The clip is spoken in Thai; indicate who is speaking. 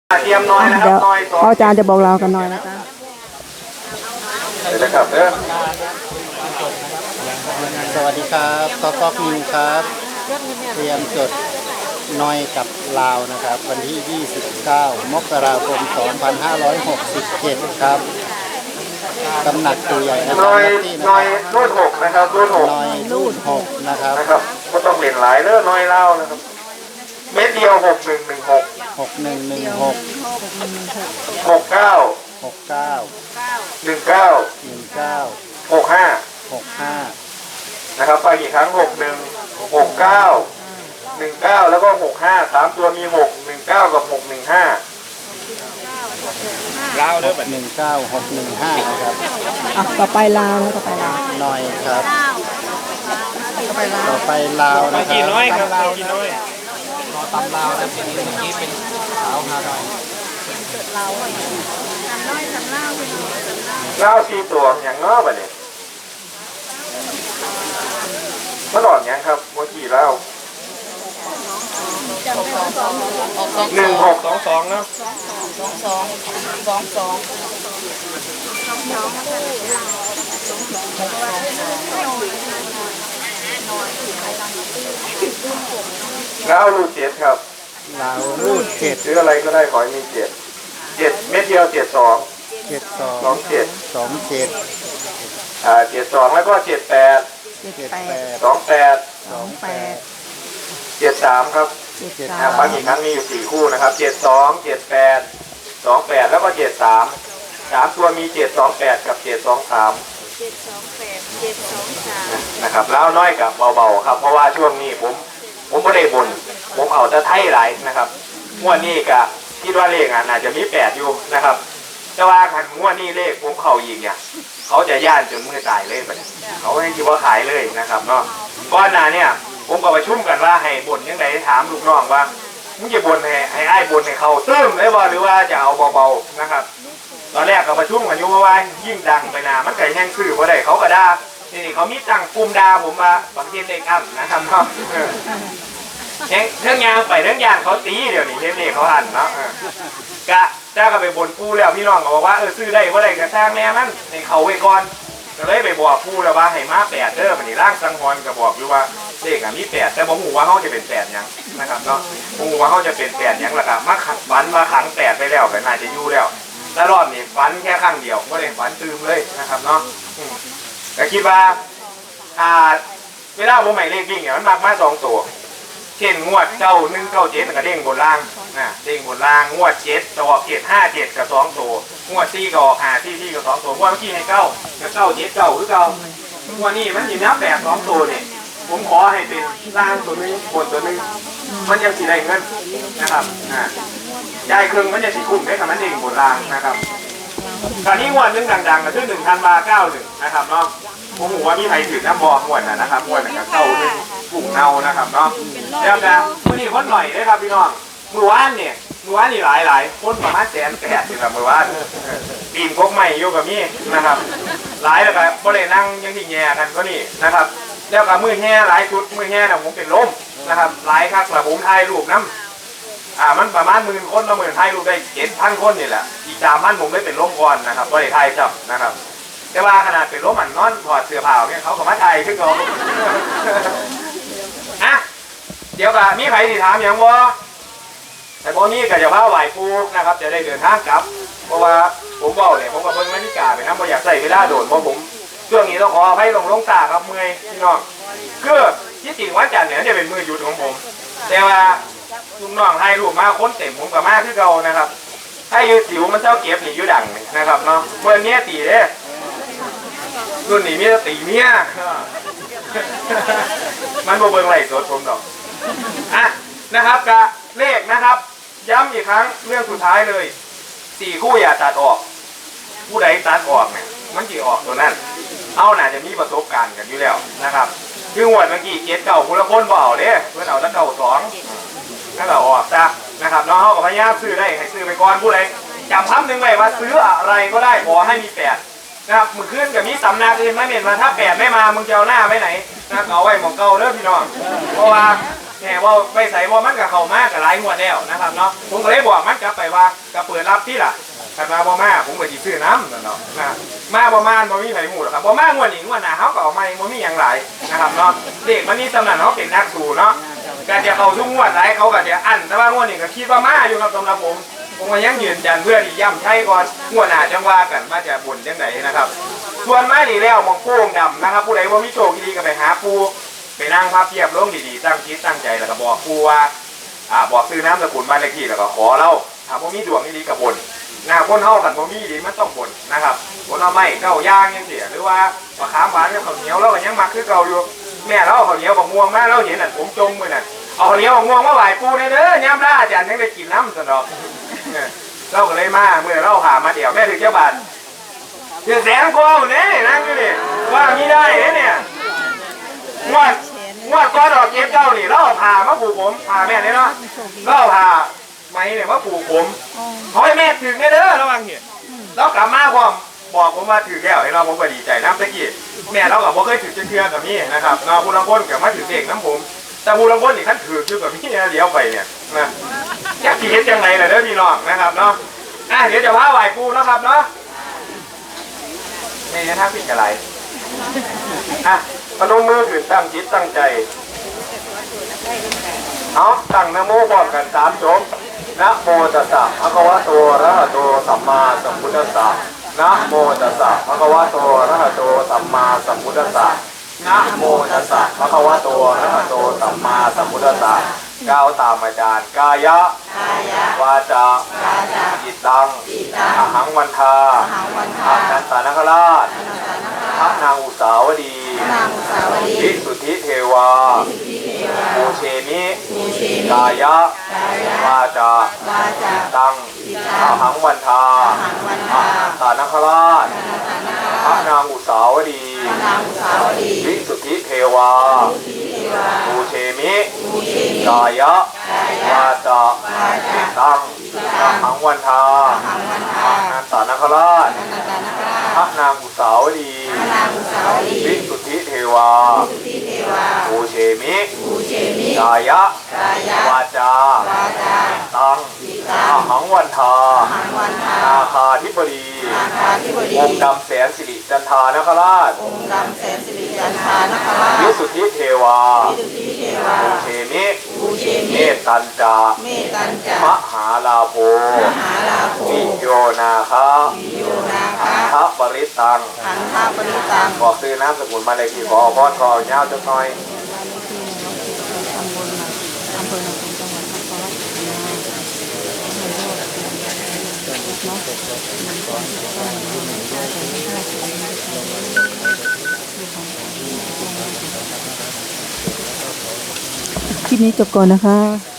Speaker 1: เตรียมน้อยนะครับน้อย
Speaker 2: พ่ออาจารย์จะบอกเรากันหน่อยนะคะ
Speaker 1: เดี๋ยวนะครับ
Speaker 3: สวัสดีครับก๊อกนิวครับเตรียมจดน้อยกับลาวนะครับ วันที่ 29 มกราคม 2567 ครับตำหนักตัวใหญ่นะครับ
Speaker 1: น้อยรุ่น6นะครับรุ่น6
Speaker 3: น้อยรูด6นะครับ
Speaker 1: ก็ต้องเล่นหลายเรื่องน้อยเล่านะครับเม็ดเดียว6116
Speaker 3: 6116
Speaker 1: 69 19 65นะครับไปกี่ครั้ง61 69 19แล้วก็65 3ตัวมี6 19กับ615
Speaker 3: ลาวเด้อแบบ19 615นะครับ
Speaker 2: ต่อไปลาวนะต่อไปลาว
Speaker 3: น้อยครับต่อไปลาวนะครับ
Speaker 1: กี่น้อยครับกี่น้อย
Speaker 3: ตำลาวนะทีนี้เป็นสาวฮานอย
Speaker 1: เล่าสี่ตัวอย่างง้อแบบนี้มาหลอดยังครับเมื่อกี้เล่า1622นะแล้วรูด7ครับ
Speaker 3: ลาวรูด7
Speaker 1: ซื้ออะไรก็ได้ขอให้มี7เม็ดเดียว72 72แล้วก็78 28 73ครับบางอีกครั้งมีอยู่4คู่นะครับ72 78 28แล้วก็73 3ตัวมี728กับ723นะครับแล้วน้อยกับเบาๆครับเพราะว่าช่วงนี้ผมไม่ได้บ่นผมเอาแต่ไทยหลายนะครับงวดนี้ก็คิดว่าเลขอาจจะมี8อยู่นะครับแต่ว่าขันงวดนี้เลขผมเข้าอีกเนี่ยเขาจะย่านจนมือตายเลยไปเขาให้คิดว่าขายเลยนะครับเนาะก้อนหน้าเนี่ยผมก็ประชุมกันว่าให้บ่นยังไงถามลูกน้องว่ามึงจะบ่นให้ไอ้บ่นให้เขาเติมเลยบ่หรือว่าจะเอาเบาๆนะครับตอนแรกก็ประชุมกันอยู่ว่ายิ่งดังไปนามันไก่แห้งซื่อเพราะใดเขาก็ด่านี่เขามีตั้งกลุ่มด่าผมมาบางทีเลขอั้นนะครับเนาะเรื่องยางไปเรื่องยางเขาตีเดี๋ยวนี้เลขเขาอั้นเนาะกะเจ้าก็ไปบ่นปูแล้วพี่น้องก็บอกว่าซื้อได้เพราะใดกระช่างแม่มันให้เขาไว้ก่อนก็เลยไปบอกปูแล้วว่าให้มา8เด้อมันนี่ร่างสังหรณ์ก็บอกอยู่ว่าเลขมี8แต่ผมหูว่าเขาจะเป็น8ยังนะครับเนาะผมหูว่าเขาจะเป็น8ยังละครับมาขังฝันมาขัง8ไปแล้วก็น่าจะอยู่แล้วแต่รอบนี้ฝันแค่ครั้งเดียวก็เลยฝันตื่มเลยนะครับเนาะแต่คิดว่าเวลาผมใหม่เลขวิ่งเนี่ยมันมากมา2ตัวเช่นงวด9197ก็เด้งบนล่างเด้งบนล่างงวด7จะออก757กับ2ตัวงวด4ก็ออก5กับ2ตัวงวดเมื่อกี้ให้9กับ979คือ9งวดนี้มันอยู่นับ8 2ตัวเนี่ยผมขอให้เป็นล่างตัวนึงบนตัวนึงมันยังสีได้เงินนะครับได้ครึ่งมันจะสีคุ้มได้กับมันเด้งบนล่างนะครับคราวนี้งวดนึงดังๆก็คือ1,091นะครับเนาะผมหัวมีใครถือน้ำบอมวดนะครับมวดกับเข้าหนึ่งปุ่งเนานะครับเนาะแล้วก็มื่อนี้คนหน่อยได้ครับพี่น้องมือว่านนี่หลายคนประมาณ180,000นี่แหละมือว่านปีนพกใหม่โยกับมี่นะครับหลายแล้วก็บริเวณนั่งยังที่แง่กันก็นี่นะครับแล้วก็มือแง่หลายชุดมือแง่นะผมเป็นล้มนะครับหลายครั้งแล้วผมถ่ายรูปน้ำมันประมาณ10,000 คนแล้วถ่ายรูปได้7,000 คนนี่แหละอีก3,000ผมได้เป็นล้มก่อนนะครับบริเวณถ่ายจับนะครับแต่ว่าขนาดเป็นล้มนอนถอดเสื้อผ้าเนี่ยเขาก็มาถ่ายขึ้นเขาเดี๋ยวกับมีใครที่ถามอย่างว่าแต่พอนี้ก็จะว่าไหวปูนะครับจะได้เดินทางกลับเพราะว่าผมบอกเนี่ยผมกับเพิ่งมานิกาไปนะผมอยากใส่เวลาโดดเพราะผมช่วงนี้ต้องขอให้ลงตาครับเมื่อยพี่น้องคือที่จริงวันจันทร์เนี่ยจะเป็นมือหยุดของผมแต่ว่าลุงน้องให้ลูกมาค้นเต็มผมกับมาที่เรานะครับให้ยืดสิวมันเจ้าเก็บหนียืดดังนะครับเนาะเมื่อนี้ตีเด้รุ่นนี้มีแต่ตีเมียมันโบเบิงไหลสดผมดอกนะครับกะเลขนะครับย้ำอีกครั้งเรื่องสุดท้ายเลย4คู่อย่าตัดออกผู้ใดตัดออกเนี่ยมันจะออกตัวนั้นเอาน่าจะมีประสบการณ์กันอยู่แล้วนะครับคือหวดเมื่อกี้79คนละคนเบาเด้เพื่อนเอาตั้ง92นั่นแหละออกจ้ะนะครับน้องเขากับพญาซื้อได้ให้ซื้อไปก่อนผู้ใดจำคำหนึ่งไว้ว่าซื้ออะไรก็ได้ขอให้มี8นะครับมือขึ้นกับมีตำนาอื่นไม่เห็นมาถ้า8ไม่มามึงจะเอาหน้าไปไหนนะเอาไว้หมองเก่าเด้อพี่น้องเพราะว่าแหมว่าไปใส่ว่ามันกับเขามากกับหลายงวดแล้วนะครับเนาะผมก็เลยบอกมันกลับไปว่าก็เปิดรับที่ล่ะขันมาบ่มาผมก็สิซื้อน้ำเนาะนะมาบ่มาบ่มีไผหูหรอกครับบ่มางวดนี้งวดหน้าเขาก็เอามาบ่มีอย่างไรนะครับเนาะเด็กมันนี่ตำนานเขาเป็นนักสู้เนาะก็จะเอาทุกงวดหลายเขาก็จะอั้นแต่ว่างวดนี้ก็คิดว่ามาอยู่ครับสำหรับผมก็ยังยืนยันเพื่อที่ย้ำใช้ก่อนงวดหน้าจังว่ากันว่าจะบุญจังไหนนะครับส่วนมานี่แล้วมองโป่งดำนะครับผู้ใดว่ามีโชคดีก็ไปหาปูไปนั่งพับเพียบลงดีๆตั้งคิดตั้งใจแล้วก็บอกปูว่าบอกซื้อน้ำสกุลบ้านเลขที่แล้วก็ขอเล่าถ้าผมมีดวงดีกับบุญคนเฮากันผมมีดีมันต้องบุญนะครับคนเอาไม้เก้าย่างยังเสียหรือว่าปลาขามหวานกับข้าวเหนียวเราก็ยังมักคือเก่าอยู่แม่เราเอาข้าวเหนียวบะม่วงมาเราเห็นน่ะผมจมมือน่ะเอาข้าวเหนียวบะม่วงมาไหว้ปูเด้อย่ำล่าอาจารย์ยังได้กินน้ำสนอกเราก็เลยมาเมื่อเราหามาเดี๋ยวแม่ถึงเจ้าบาทถึงแสนกว่าเนี่ยนั่งอยู่นี่ว่ามีได้เนี่ยงวดก้อนดอกเก็บเจ้านี่เราเอาผ่ามาผูกผมผ่าแม่เนี่ยเนาะเราเอาผ่าไม้เนี่ยมาผูกผมขอให้แม่ถึงเด้อระวังเหี้ยเรากลับมาพร้อมบอกผมว่าถือแก้วให้เราผมก็ดีใจน้ำตะกี้แม่เราก็บ่เคยถือเชื่อกับนี่นะครับเราผู้ลังคนกับมาถือเด็กน้ำผมแต่ผู้ลังคนนี่ขั้นถืออยู่กับพี่เดี๋ยวไปเนี่ยนะอยากขี่เฮ็ดจังไรล่ะเด้อพี่น้องนะครับเนาะเดี๋ยวจะพาไหว้ปูนะครับเนาะนี่ถ้าผิดอะไรพนมมือขึ้นตั้งจิตตั้งใจเอาตั้งนะโมพร้อมกัน3 จบนะโมตัสสะภะคะวะโตอะระหะโตสัมมาสัมพุทธัสสะนะโมตัสสะภะคะวะโตอะระหะโตสัมมาสัมพุทธัสสะนะโมตัสสะภะคะวะโตอะระหะโตสัมมาสัมพุทธัสสะก้าวตามอาจารย์กายะวาจาจิตตังอหังวันทาอานันตนาคราชพระนางอุสาวดีวิสุทธิเทวาภูเชมิกายะวาจาจิตตังอหังวันทาอานันตนาคราชพระนางอุสาวดีวิสุทธิเทวาภูเชมิกายะวาจาจิตตังอหังวันทาอานันตนาคราชพระนางอุสาวดีวิสุทธิเทวาภูเชมิกายะวาจาตังอหังวันทานาคาธิบดีองค์ดำแสนสิริจันทานคราชวิสุทธิเทวาภูเชมิเมตตัญจามหาลาโภวิโยนาคาทัพปริตังบอกซื้อน้ำสกุลมาเลยที่ขอพรขอเย้าจักหน่อย
Speaker 2: คลิปนี้จบก่อนนะคะ